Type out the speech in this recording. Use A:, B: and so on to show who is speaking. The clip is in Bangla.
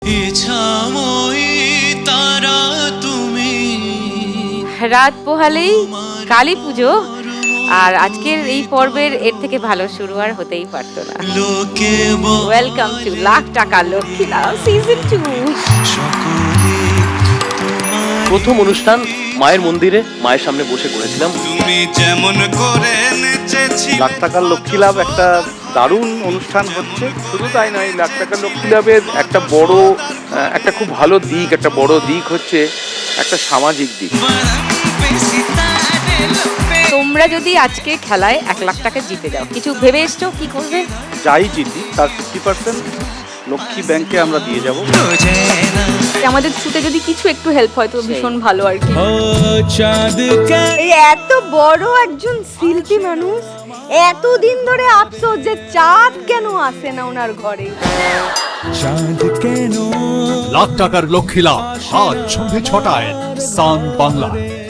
A: রাত পোহালেই কালী পুজো, আর আজকের এই পর্বের এর থেকে ভালো শুরু আর হতেই পারতো না। ওয়েলকাম টু লাখ টাকা লক্ষ্মী লাভ সিজন 2।
B: প্রথম অনুষ্ঠান মায়ের মন্দিরে, মায়ের সামনে বসে করেছিলাম।
C: লাখ টাকার লক্ষ্মী লাভ একটা দারুণ অনুষ্ঠান হচ্ছে। শুধু তাই নয়, লাখ টাকার লক্ষ্মী লাভের একটা বড় একটা খুব ভালো দিক, একটা বড় দিক হচ্ছে একটা সামাজিক দিক।
A: তোমরা যদি আজকে খেলায় 1 লাখ টাকা জিতে যাও, কিছু ভেবে এসছো কি করবে?
C: যাই জিতি তার 50% লক্ষ্মী ব্যাংকে আমরা দিয়ে যাব।
A: আমাদের ছুটে যদি কিছু একটু হেল্প হয় তো ভীষণ ভালো আর কি।
D: এই এত বড় একজন শিল্পী মানুষ, এতদিন ধরে আফসোস যে চাঁদ কেন আসে না ওনার ঘরে।
E: লাখ টাকার লক্ষ্মী লাভ আজ সন্ধ্যে 6টায় সান বাংলা।